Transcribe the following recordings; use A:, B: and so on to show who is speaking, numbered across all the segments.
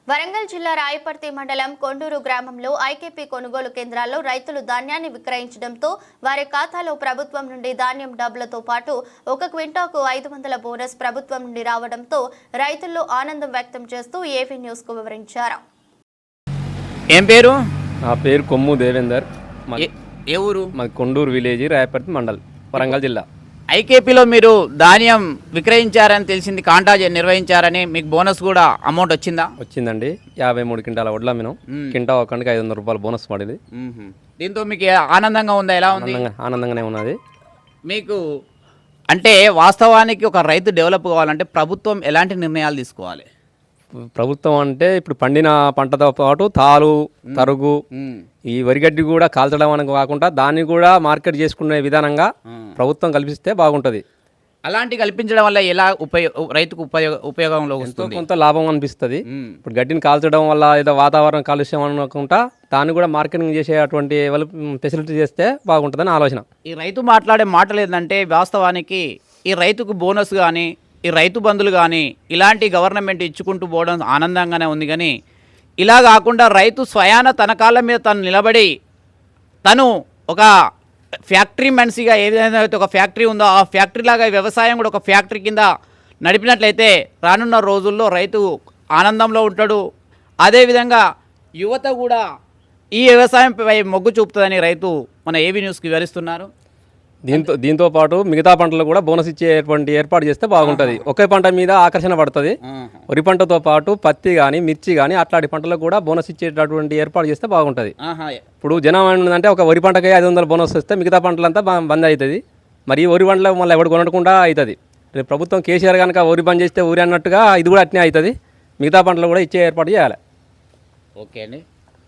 A: వరంగల్ జిల్లా రాయపర్తి మండలం కొండూరు గ్రామంలో ఐకేపీ కొనుగోలు కేంద్రాల్లో రైతులు ధాన్యాన్ని విక్రయించడంతో వారి ఖాతాలో ప్రభుత్వం నుండి ధాన్యం డబ్బులతో పాటు 1 క్వింటాకు 500 బోనస్ ప్రభుత్వం నుండి రావడంతో రైతుల్లో ఆనందం వ్యక్తం చేస్తూ ఏవీ న్యూస్ కు వివరించారు.
B: ఏం పేరు?
C: నా పేరు కొమ్ము దేవేందర్.
B: ఏ ఊరు?
C: మాది కొండూరు విలేజ్, రాయపర్తి మండల్, వరంగల్ జిల్లా.
B: ఐకేపీలో మీరు ధాన్యం విక్రయించారని తెలిసింది, కాంటా నిర్వహించారని, మీకు బోనస్ కూడా అమౌంట్ వచ్చిందా?
C: వచ్చిందండి. 53 క్వింటాల వడ్ల మేము కింటా ఒక్కడికి 500 రూపాయలు బోనస్ పడింది.
B: దీంతో మీకు ఆనందంగా ఉందా? ఎలా ఉంది?
C: ఆనందంగానే ఉన్నది.
B: మీకు అంటే వాస్తవానికి ఒక రైతు డెవలప్ కావాలంటే ప్రభుత్వం ఎలాంటి నిర్ణయాలు తీసుకోవాలి?
C: ప్రభుత్వం అంటే ఇప్పుడు పండిన పంటతో పాటు తాలు, తరుగు, ఈ వరిగడ్డి కూడా కాల్చడం అని కాకుండా దాన్ని కూడా మార్కెట్ చేసుకునే విధానంగా ప్రభుత్వం కల్పిస్తే బాగుంటుంది.
B: అలాంటి కల్పించడం వల్ల ఎలా రైతుకు ఉపయోగంలో వస్తుంది?
C: కొంత లాభం అనిపిస్తుంది. ఇప్పుడు గడ్డిని కాల్చడం వల్ల ఏదో వాతావరణం కాలుష్యం అనుకుంటా దాన్ని కూడా మార్కెటింగ్ చేసేటువంటి ఫెసిలిటీ చేస్తే బాగుంటుందని ఆలోచన.
B: ఈ రైతు మాట్లాడే మాటలు ఏంటంటే వాస్తవానికి ఈ రైతుకు బోనస్ కానీ ఈ రైతు బంధులు కానీ ఇలాంటి గవర్నమెంట్ ఇచ్చుకుంటూ పోవడం ఆనందంగానే ఉంది. కానీ ఇలా కాకుండా రైతు స్వయాన తన కాళ్ళ మీద తను నిలబడి తను ఒక ఫ్యాక్టరీ మనిషిగా ఏ విధంగా అయితే ఒక ఫ్యాక్టరీ ఉందో ఆ ఫ్యాక్టరీ లాగా వ్యవసాయం కూడా ఒక ఫ్యాక్టరీ కింద నడిపినట్లయితే రానున్న రోజుల్లో రైతు ఆనందంలో ఉంటాడు. అదేవిధంగా యువత కూడా ఈ వ్యవసాయంపై మొగ్గు చూపుతుందని రైతు మన ఏవీ న్యూస్కి వివరిస్తున్నారు.
C: దీంతో పాటు మిగతా పంటలు కూడా బోనస్ ఇచ్చేటువంటి ఏర్పాటు చేస్తే బాగుంటుంది. ఒకే పంట మీద ఆకర్షణ పడుతుంది. వరి పంటతో పాటు పత్తి కానీ, మిర్చి కానీ అట్లాంటి పంటలకు కూడా బోనస్ ఇచ్చేటటువంటి ఏర్పాటు చేస్తే బాగుంటుంది. ఇప్పుడు జనం ఏంటంటే ఒక వరి పంటకి 500 బోనస్ వస్తే మిగతా పంటలంతా బంద్ అవుతుంది. మరి వరి పంటలో మళ్ళీ ఎవరు కొనకుండా అవుతుంది. ప్రభుత్వం కేసీఆర్ కనుక వరి బంద్ చేస్తే ఊరి అన్నట్టుగా ఇది కూడా అట్నే అవుతుంది. మిగతా పంటలు కూడా ఇచ్చే ఏర్పాటు చేయాలి.
B: ఓకే అండి.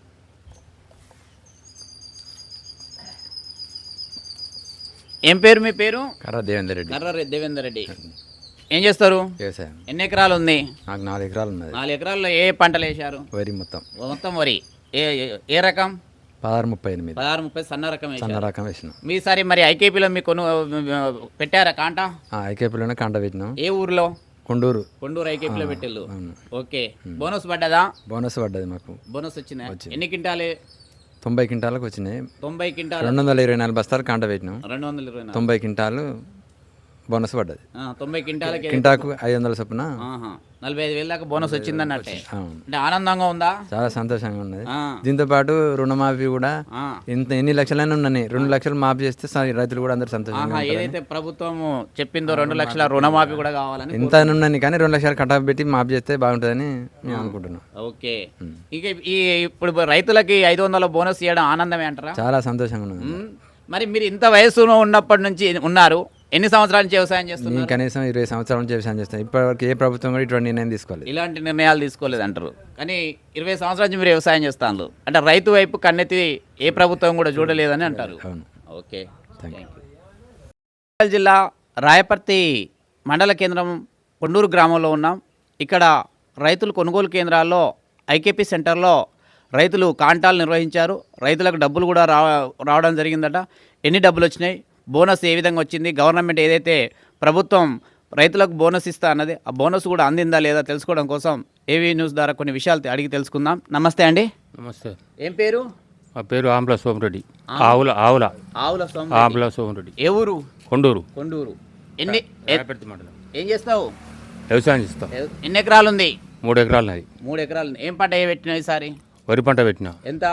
B: ఏం పేరు మీ పేరు?
D: కర్ర దేవేందర్ రెడ్డి.
B: దేవేందర్ రెడ్డి. ఏం చేస్తారు?
D: వ్యవసాయం.
B: ఎన్ని ఎకరాలు ఉంది?
D: నాకు 4 ఎకరాలు ఉన్నది.
B: 4 ఎకరాల్లో ఏ పంటలు వేశారు?
D: వరి మొత్తం
B: వరి. ఏ రకం?
D: 1638.
B: 1630 సన్న రకం
D: వేసినాం.
B: మీసారి మరి ఐకేపీలో మీకు పెట్టారా కాంటా?
D: ఐకేపీలోనే కాంట పెట్టినాం.
B: ఏ ఊర్లో?
D: కొండూరు
B: ఐకేపీలో పెట్టిల్లు. ఓకే. బోనస్ పడ్డదా?
D: బోనస్ పడ్డది మాకు.
B: బోనస్ వచ్చిందా? ఎన్ని క్వింటాలే?
D: 90 క్వింటాలకు వచ్చినాయి.
B: 90 క్వింటాలు
D: 224 బస్తాలు కాంట పెట్టినాం.
B: 224
D: 90 క్వింటాలు బోనస్ పడ్డది.
B: 90
D: క్వింటాకు 500 చొప్పున
B: 45,000 దాకా బోనస్ వచ్చిందన్నట్టే. అంటే ఆనందంగా ఉందా?
D: చాలా సంతోషంగా ఉన్నది. దీంతో పాటు రుణమాఫీ కూడా ఎన్ని లక్షలైనా ఉన్నాయి. 2 లక్షలు మాఫీ చేస్తే రైతులు కూడా అందరు సంతోషంగా.
B: ఏదైతే ప్రభుత్వం చెప్పిందో 2 లక్షల రుణమాఫీ కూడా కావాలని
D: ఇంత ఉన్నాయి. కానీ 2 లక్షలు కట్టా పెట్టి మాఫీ చేస్తే బాగుంటుందని మేము అనుకుంటున్నాం.
B: ఓకే. ఇక ఇప్పుడు రైతులకి 500 బోనస్ ఇవ్వడం ఆనందమే అంటారా?
D: చాలా సంతోషంగా ఉన్నది.
B: మరి మీరు ఇంత వయసులో ఉన్నప్పటి నుంచి ఉన్నారు, ఎన్ని సంవత్సరాల నుంచి వ్యవసాయం చేస్తున్నారు?
D: నేను కనీసం 20 సంవత్సరాల నుంచి వ్యవసాయం చేస్తాను. ఇప్పటివరకు ఏ ప్రభుత్వం కూడా ఇటువంటి నిర్ణయం తీసుకోలేదు,
B: ఇలాంటి నిర్ణయాలు తీసుకోలేదు అంటారు. కానీ 20 సంవత్సరాల నుంచి మీరు వ్యవసాయం చేస్తాను అంటే రైతు వైపు కన్నెత్తి ఏ ప్రభుత్వం కూడా చూడలేదని అంటారు. Okay, thank you. జిల్లా రాయపర్తి మండల కేంద్రం కొండూరు గ్రామంలో ఉన్నాం. ఇక్కడ రైతులు కొనుగోలు కేంద్రాల్లో ఐకేపీ సెంటర్లో రైతులు కాంటాలు నిర్వహించారు. రైతులకు డబ్బులు కూడా రావడం జరిగిందట. ఎన్ని డబ్బులు వచ్చినాయి, బోనస్ ఏ విధంగా వచ్చింది, గవర్నమెంట్ ఏదైతే ప్రభుత్వం రైతులకు బోనస్ ఇస్తా అన్నది ఆ బోనస్ కూడా అందిందా లేదా తెలుసుకోవడం కోసం ఏవీ న్యూస్ ద్వారా కొన్ని విషయాలు అడిగి తెలుసుకుందాం. నమస్తే అండి.
E: నమస్తే.
B: ఏం పేరు?
E: మా పేరు ఆంబ్ల సోమరెడ్డి. ఆవుల సోమరెడ్డి.
B: ఏ ఊరు?
E: కొండూరు.
B: ఏం చేస్తావు?
E: వ్యవసాయం చేస్తాం.
B: ఎన్ని ఎకరాలు ఉంది?
E: 3 ఎకరాలు నాది.
B: 3 ఎకరాలు. ఏం పంట పెట్టినా ఈసారి?
E: వరి పంట పెట్టినా.
B: ఎంత?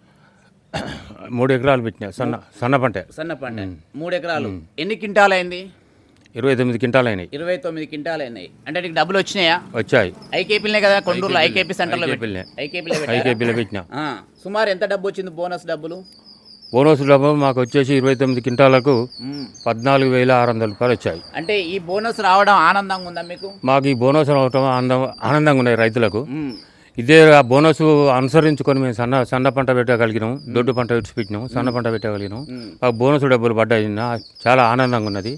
E: 3 ఎకరాలు పెట్టినా. సన్న పంట.
B: 3 ఎకరాలు. ఎన్ని క్వింటాలు అయింది?
E: 29 క్వింటాలు అయినాయి.
B: 29 క్వింటాలు అయినాయి. అంటే నీకు డబ్బులు వచ్చినాయా?
E: వచ్చాయి.
B: ఐకేపీలే కదా, కొండూరులో ఐకేపీ సెంటర్లో
E: ఐకేపీలో పెట్టినా.
B: సుమారు ఎంత డబ్బు వచ్చింది బోనస్ డబ్బులు?
E: బోనస్ డబ్బులు మాకు వచ్చేసి 29 క్వింటాలకు 14,600 రూపాయలు వచ్చాయి.
B: అంటే ఈ బోనస్ రావడం ఆనందంగా ఉందా మీకు?
E: మాకు ఈ బోనస్ రావడం ఆనందంగా ఉన్నాయి రైతులకు. ఇదే ఆ బోనస్ అనుసరించుకొని మేము సన్న పంట పెట్టగలిగినాం, దొడ్డు పంట విడిచిపెట్టినాం, సన్న పంట పెట్టగలిగినాం. మాకు బోనస్ డబ్బులు పడ్డాయి. చాలా ఆనందంగా ఉన్నది.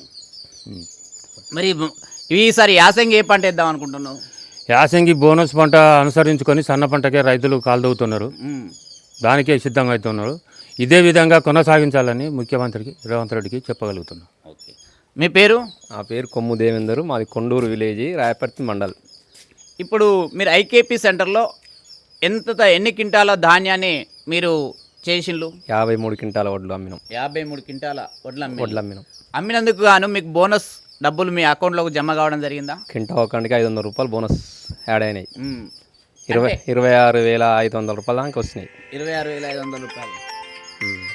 B: మరి ఈసారి యాసంగి ఏ పంట వేద్దాం అనుకుంటున్నావు?
E: యాసంగి బోనస్ పంట అనుసరించుకొని సన్న పంటకే రైతులు కాలుదవుతున్నారు, దానికే సిద్ధంగా అవుతున్నారు. ఇదే విధంగా కొనసాగించాలని ముఖ్యమంత్రికి రేవంత్ రెడ్డికి చెప్పగలుగుతున్నాం.
B: ఓకే. మీ పేరు?
C: నా పేరు కొమ్ము దేవేందర్. మాది కొండూరు విలేజ్, రాయపర్తి మండల్.
B: ఇప్పుడు మీరు ఐకేపీ సెంటర్లో ఎన్ని క్వింటాల ధాన్యాన్ని మీరు చేసిండ్రు?
C: 53 క్వింటాల వడ్లు అమ్మినాం.
B: 53 క్వింటాల వడ్లు
C: అమ్మినాం.
B: అమ్మినందుకు గాను మీకు బోనస్ డబ్బులు మీ అకౌంట్లోకి జమ కావడం జరిగిందా?
C: క్వింటా ఒక్కంటికి 500 రూపాయలు బోనస్ యాడ్ అయినాయి.
B: మ్మ్.
C: 26,500 రూపాయల దాకా వచ్చినాయి.
B: 26,500 రూపాయలు.
C: ఉమ్.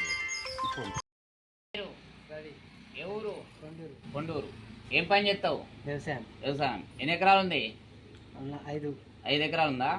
B: ఎవరు? కొండూరు. ఏం పని చేస్తావు? వ్యవసాయం. ఎన్ని ఎకరాలు ఉంది? 5 ఎకరాలు ఉందా?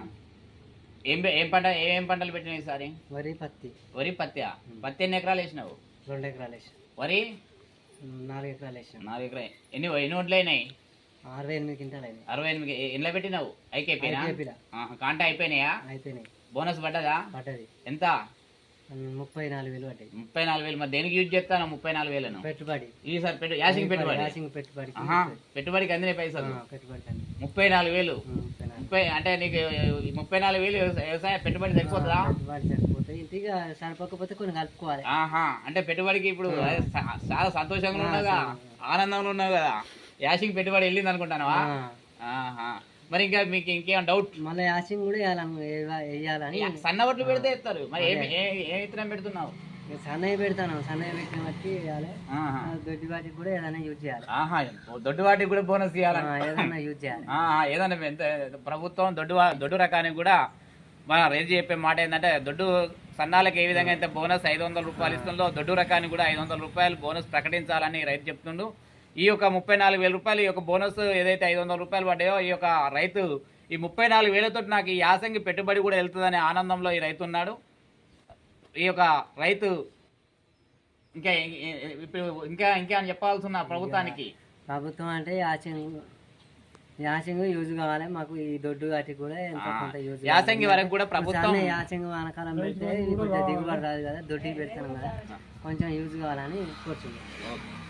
B: ఏం పంటలు పెట్టినావు ఈసారి? వరి పత్తి. పత్తి ఎన్ని ఎకరాలు వేసినావు?
F: 2 ఎకరాలు వేసాం.
B: వరి
F: 4 ఎకరాలు వేసాం.
B: 4 ఎకరాలు. ఎన్ని వడ్లు అయినాయి?
F: 68 క్వింటాలు అయినాయి.
B: 68. ఎన్ని పెట్టినావు? ఐకేపీనా?
F: ఐకేపీలా.
B: కాంటా అయిపోయినాయా?
F: అయిపోయినాయి.
B: బోనస్ పడ్డదా?
F: పడ్డది.
B: ఎంత?
F: 34,000 పడ్డాయి.
B: 34,000. మరి దేనికి యూజ్ చేస్తాను 34,000?
F: పెట్టుబడి.
B: ఈసారి యాసింగ్ పెట్టుబడి.
F: పెట్టుబడి.
B: పెట్టుబడికి అందిన పైసలు
F: పెట్టుబడి
B: 34,000. 30 అంటే నీకు 34,000 వ్యవసాయ పెట్టుబడి సరిపోతుందా?
F: పెట్టుబడి సరిపోతాయి. ఇంటిగా సరిపోకపోతే కొన్ని కలుపుకోవాలి.
B: అంటే పెట్టుబడికి ఇప్పుడు చాలా సంతోషంగా ఉన్నావు కదా, ఆనందంలో ఉన్నావు కదా, యాసింగ్ పెట్టుబడి వెళ్ళింది అనుకుంటానవా? మరి ఇంకా మీకు ఇంకేం డౌట్?
F: మళ్ళీ యాసింగ్ కూడా వేయాలని.
B: సన్న వడ్లు పెడితే ఇస్తారు. మరి ఏ విత్తనం పెడుతున్నావు?
F: సన్నయ్య పెడతాను. సన్నయ్య పెట్టిన బట్టి వేయాలి. దొడ్డి వాటికి కూడా ఏదైనా యూజ్ చేయాలి.
B: దొడ్డు వాటికి కూడా బోనస్ ఇవ్వాలి.
F: ఏదైనా యూజ్ చేయాలి.
B: ఏదైనా ఎంత ప్రభుత్వం దొడ్డు రకానికి కూడా మన రేంజ్ చెప్పే మాట ఏంటంటే, దొడ్డు సన్నాలకు ఏ విధంగా అయితే బోనస్ 500 రూపాయలు ఇస్తుందో, దొడ్డు రకానికి కూడా 500 రూపాయలు బోనస్ ప్రకటించాలని రైతు చెప్తుండు. ఈ యొక్క 34,000 రూపాయలు, ఈ యొక్క బోనస్ ఏదైతే 500 రూపాయలు పడ్డాయో, ఈ యొక్క రైతు ఈ 34,000తో నాకు ఈ యాసంగి పెట్టుబడి కూడా వెళ్తుందనే ఆనందంలో ఈ రైతు ఉన్నాడు. ఈ యొక్క రైతు ఇంకా ఇప్పుడు ఇంకా చెప్పాల్సిన ప్రభుత్వానికి?
F: ప్రభుత్వం అంటే యాసింగ్ యూజ్ కావాలి మాకు. ఈ దొడ్డు వాటికి కూడా ఎంతో కొంత యూజ్.
B: యాసంగి వరకు కూడా ప్రభుత్వం
F: యాసింగ్ వానకాలం పెడితే కొంచెం దిగుబడి రాదు కదా, దొడ్డికి పెడతాను కదా, కొంచెం యూజ్ కావాలని కోరుచున్నాం.